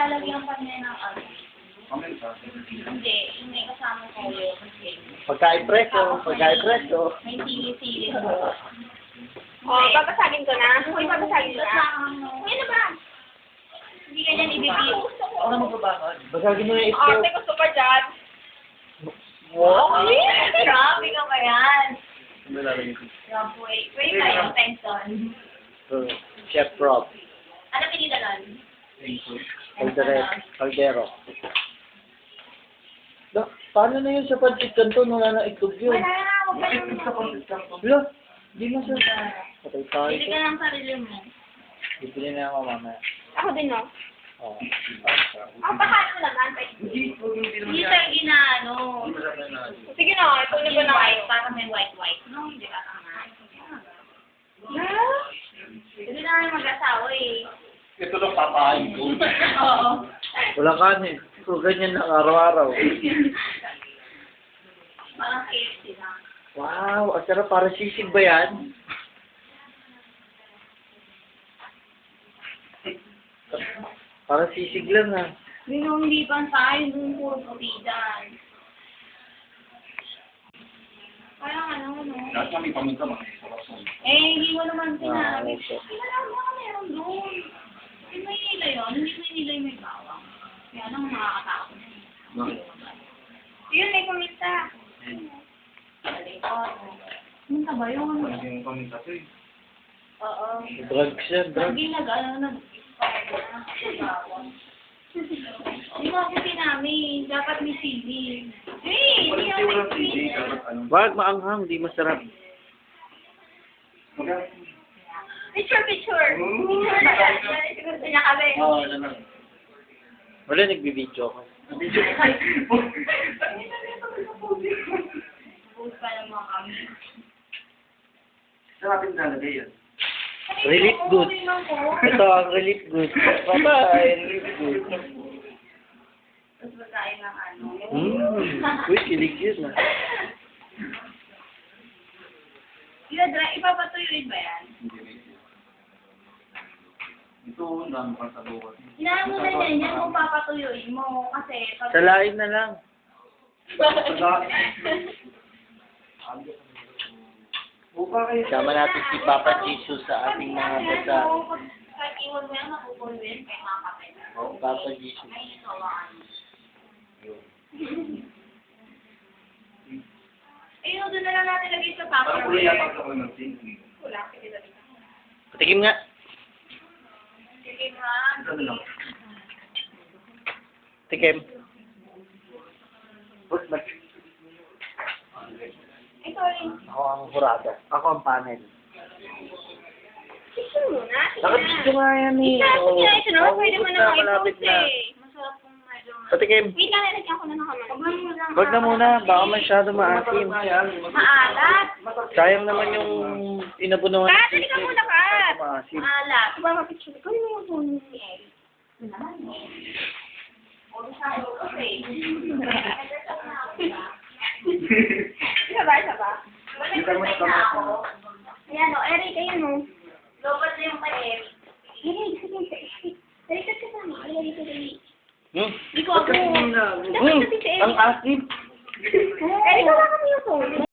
lalagyan pa niya ng ano. Hindi, may kasama ko yun. Pagkain preso, pagkain preso. May sili-sili ko. Oh, babasagin ko na. Uy, babasagin ko na. Uy, ano ba? Hindi ka niyan ibibigay. Ako na magbabakad. Basagin mo yung Oh, itlog. ate, gusto pa dyan. Wow! Grabe ka ba yan? Ano lalagyan ko? Wait pa yung pension. Chef Rob. Ano pinila nun? Caldero. Paano na yun sa pancit canton? Wala na itlog yun. Wala na, huwag ka lang. Wala. Di mo siya. Patay tayo. Bili ka ng sarili mo. Bibili na ako mamaya. Ako din, no? Oo. Ako, baka ano naman. Hindi tayo ginaano. Sige na, ito na ba na White, para may white. No, hindi ka tama. Hindi na kami mag-asawa eh. Ito lang papain ko. Oo. Walang kanin. So, ganyan lang araw-araw. Parang KFC lang. Wow, ang sarap. Para sisig ba yan? Para sisig lang ha. Hindi pa tayo, dun puro puti dyan. Parang ano. Lahat kami pamunta mga Hindi mo naman sinabi. okay. Hindi na lang mga meron doon. Hindi may nila yun. Hindi may nila yung may bawang. Kaya nang makakatakot. Yun, may kumita. Ano ba yun? Yung pamunta to eh. Oo. Drugs yan, drugs. Hindi nag-expire na. Bawang. Hindi mo ako sinabi. Dapat may sili. Hindi ako may sili. Wag maanghang, di masarap. Picture. Picture ba yan? Siguro niya kami. Oo, yan lang. Wala, nagbibideo ako. Bukas pa naman kami. Saan natin nalagay yan? Relief goods. Ito ang relief goods. Bye-bye, relief goods. Tapos magkain ng ano. Uy, kilig yun ah. Ipapatuloy ba yan? Ito, ang dami pang sabukan. Hinaan mo na yan kung papatuloy mo. Kasi pag... Salain na lang. Sama natin si Papa Jesus sa ating mga basa. Kahit iwan mo yan, makukulwin kay makapit. Papa Jesus. Ay, isawaan. Ayun, doon na lang natin lagay sa Parang paper. kulo yata ako ng sink. Wala, sige dali. Patikim nga. Sige nga. Ano lang? Tikim. Ay, sorry. Ako ang hurado. Ako ang panel. Picture muna. Nakabidyo nga yan eh. Sige, isunod. Pwede mo naman Malapit i-post na. eh. Masarap kung medyo... Patikim. Wait lang, nalagyan ko na ng kamay. Wag na muna. Baka masyado maasim. Maalat. Sayang naman yung inabunuhan. Kat, halika muna, Kat. Maasim. Maalat. Diba mapicture ko? Ano yung phone ni Eric? Ano naman eh. Puro sa iyo kasi. Isa ba? Nag-reply na ako. Ayan o, Eric, ayan o. Lobat na yung kay Eric. Eric, sige. Dalikat ka sa amin. Dalikat ka sa amin. Ba't kasi hindi na? Dapat kasi si Eric. Ang asim. Eric, wala kami yung phone.